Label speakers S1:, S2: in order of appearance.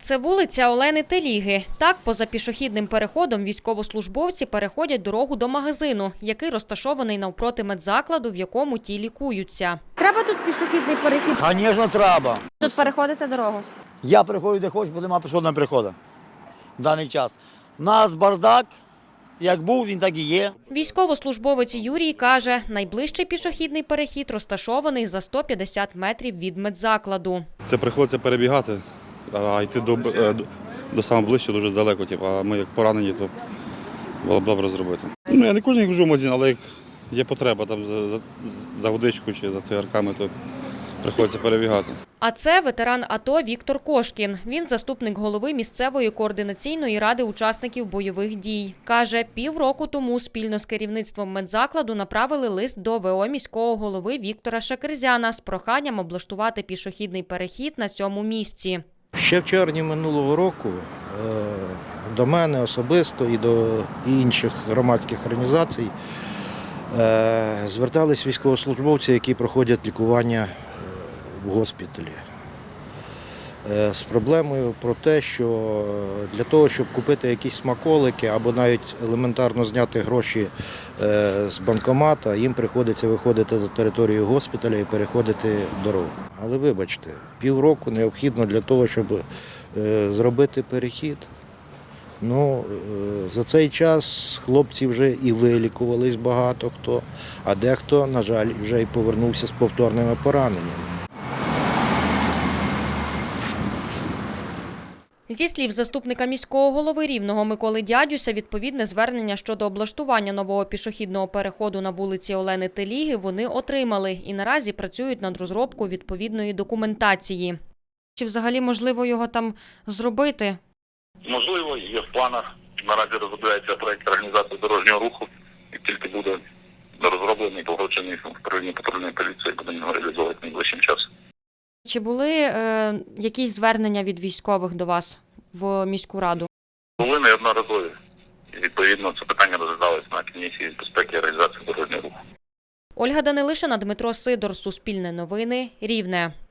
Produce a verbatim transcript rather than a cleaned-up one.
S1: Це вулиця Олени Теліги. Так, поза пішохідним переходом військовослужбовці переходять дорогу до магазину, який розташований навпроти медзакладу, в якому ті лікуються.
S2: Треба тут пішохідний перехід?
S3: Звісно, треба.
S2: Тут переходите дорогу?
S3: Я приходжу де хочу, бо немає пішохідного переходу в даний час. У нас бардак, як був, він так і є.
S1: Військовослужбовець Юрій каже, найближчий пішохідний перехід розташований за сто п'ятдесят метрів від медзакладу.
S4: Це приходиться перебігати, а йти до, до, до самого ближче дуже далеко. Типу, а ми як поранені, то було б добре зробити. Ну, я не кожен хожу в магазин, але як є потреба там за, за, за водичку чи за цигарками, то приходиться перебігати.
S1: А це ветеран АТО Віктор Кошкін. Він заступник голови місцевої координаційної ради учасників бойових дій. Каже, півроку тому спільно з керівництвом медзакладу направили лист до ВО міського голови Віктора Шакерзяна з проханням облаштувати пішохідний перехід на цьому місці.
S5: Ще в червні минулого року до мене особисто і до інших громадських організацій звертались військовослужбовці, які проходять лікування в госпіталі. З проблемою про те, що для того, щоб купити якісь смаколики або навіть елементарно зняти гроші з банкомата, їм приходиться виходити за територію госпіталя і переходити дорогу. Але вибачте, півроку необхідно для того, щоб зробити перехід. Ну, за цей час хлопці вже і вилікувались багато хто, а дехто, на жаль, вже й повернувся з повторними пораненнями.
S1: Зі слів заступника міського голови Рівного Миколи Дядюся, відповідне звернення щодо облаштування нового пішохідного переходу на вулиці Олени Теліги вони отримали і наразі працюють над розробкою відповідної документації. Чи взагалі можливо його там зробити?
S6: Можливо, є в планах. Наразі розробляється проєкт організації дорожнього руху, і тільки буде розроблений, погоджений в управлінні патрульної поліції, будемо його реалізовувати найближчим часом.
S1: Чи були е, якісь звернення від військових до вас в міську раду?
S6: Були неодноразові. І, відповідно, це питання розглядалось на комісії з безпеки і реалізації дорожнього руху.
S1: Ольга Данилишина, Дмитро Сидор, Суспільне новини, Рівне.